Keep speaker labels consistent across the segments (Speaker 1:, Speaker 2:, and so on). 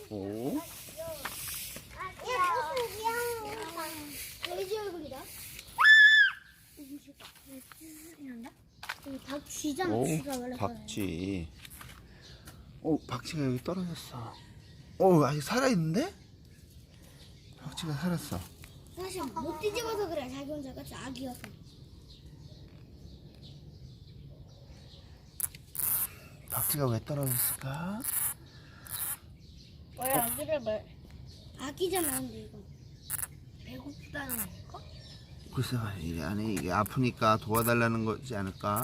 Speaker 1: 오.
Speaker 2: 돼지 얼굴이다. 여기 박쥐잖아.
Speaker 1: 오,
Speaker 2: 쥐가 원래
Speaker 1: 박쥐. 오, 박쥐가 여기 떨어졌어. 오, 아직 살아있는데? 박쥐가 살았어.
Speaker 2: 사실 못 뒤집어서 그래. 자기 혼자 같이 아기여서.
Speaker 1: 박쥐가 왜 떨어졌을까?
Speaker 2: 왜 아기를 말? 아기잖아, 근데 이거. 배고프다는 거니까?
Speaker 1: 글쎄 말이야. 아니 이게 아프니까 도와달라는 거지 않을까?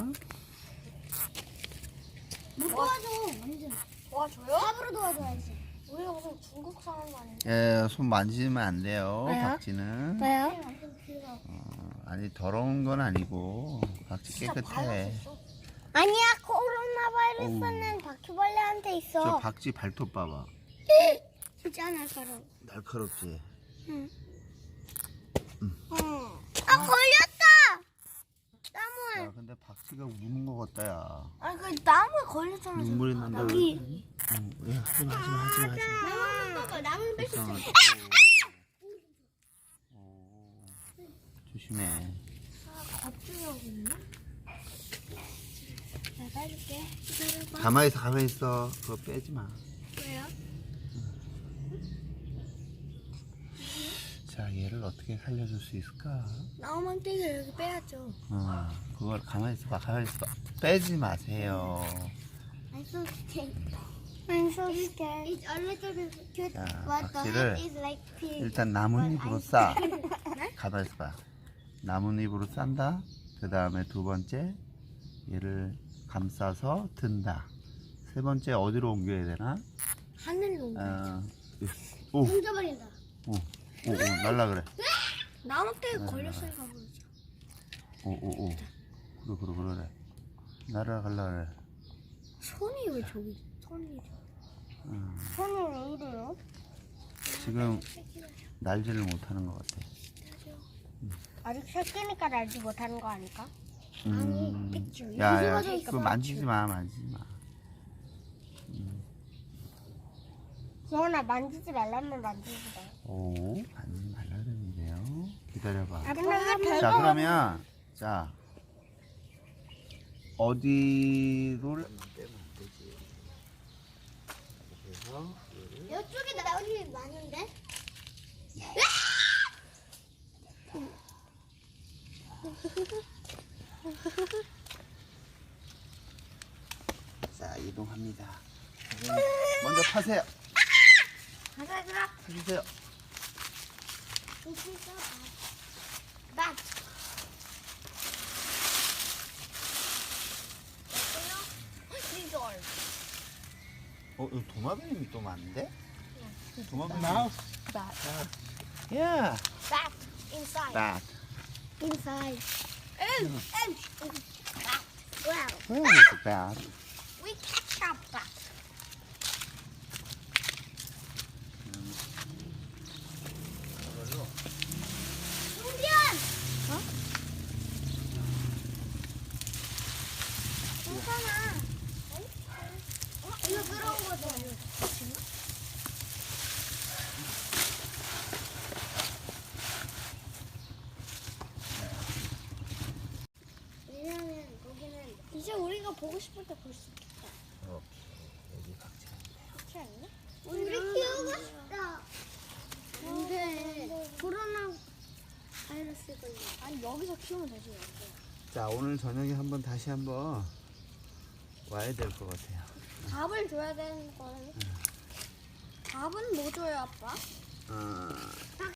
Speaker 2: 못 도와줘, 완전. 도와줘요? 삽으로 도와줘야지. 우리가 무슨 중국 사람 아닌데?
Speaker 1: 예, 손 만지면 안 돼요.
Speaker 2: 왜요?
Speaker 1: 박쥐는.
Speaker 2: 왜요?
Speaker 1: 아니 더러운 건 아니고 박쥐 깨끗해.
Speaker 2: 아니야, 코로나 바이러스는 바퀴벌레한테 있어.
Speaker 1: 저 박쥐 발톱 봐봐.
Speaker 2: 진짜 날카로워.
Speaker 1: 날카롭지.
Speaker 2: 응. 아, 걸렸다! 나무에.
Speaker 1: 야, 근데 박쥐가 우는 거 같다 야.
Speaker 2: 아니, 그 나무에 걸렸잖아.
Speaker 1: 눈물이 난다.
Speaker 2: 여기.
Speaker 1: 응, 야, 하지마.
Speaker 2: 나무 봐봐, 나무를 뺐었어.
Speaker 1: 불쌍하다. 조심해.
Speaker 2: 겁주려고 있나? 내가 해줄게. 기다려봐.
Speaker 1: 가만히 있어. 그거 빼지 마.
Speaker 2: 왜요?
Speaker 1: 자, 얘를 어떻게 살려줄 수 있을까?
Speaker 2: 나무만떼기를 여기 빼야죠.
Speaker 1: 그걸 가만히 있어봐. 빼지 마세요.
Speaker 2: I'm so scared. I'm so scared. It's a little bit cute,
Speaker 1: 자,
Speaker 2: but the
Speaker 1: 박쥐를
Speaker 2: head is like pink.
Speaker 1: 일단 나뭇잎으로 싸. 가만히 있어봐. 나뭇잎으로 싼다. 그 다음에 두 번째 얘를 감싸서 든다. 세 번째 어디로 옮겨야 되나?
Speaker 2: 하늘로
Speaker 1: 오,
Speaker 2: 던져버린다.
Speaker 1: 오, 날라 그래.
Speaker 2: 나무떼기 걸렸으니까 그러지.
Speaker 1: 오. 그래. 날아갈라 그래.
Speaker 2: 손이 왜 저기 있어? 손이 왜 이래요?
Speaker 1: 지금 날지를 못하는 것 같아.
Speaker 2: 아직 새끼니까 날지 못하는 거 아닐까?
Speaker 1: 야,
Speaker 2: 뒤집어져
Speaker 1: 그거 만지지 마.
Speaker 2: 지원아, 만지지 말라면 만지지 마.
Speaker 1: 오, 만지지 말라는데요. 기다려봐.
Speaker 2: 근데 왜 배가
Speaker 1: 자, 그러면 자 어디를
Speaker 2: 이쪽에 나뭇잎이 많은데?
Speaker 1: 자, 이동합니다. 먼저 파세요.
Speaker 2: 가자.
Speaker 1: 파주세요.
Speaker 2: 막.
Speaker 1: 이거 도마뱀이 또 많은데? 도마뱀 마우스. 야.
Speaker 2: Bat inside.
Speaker 1: Bat.
Speaker 2: Inside. Bat. Wow.
Speaker 1: Where is the bat?
Speaker 2: We catch up bat. 승변! 괜찮아. 이거 들어온 거죠? 왜냐면 거기는 이제 우리가 보고 싶을 때 볼 수 있겠다.
Speaker 1: 여기 박쥐가
Speaker 2: 그렇지 않나? 우리 키우고 싶다. 근데 코로나 바이러스 걸려. 아니 여기서 키우면 되지.
Speaker 1: 자, 오늘 저녁에 다시 한번 와야 될 것 같아요.
Speaker 2: 밥을 줘야 되는 거는. 밥은 뭐 줘요, 아빠?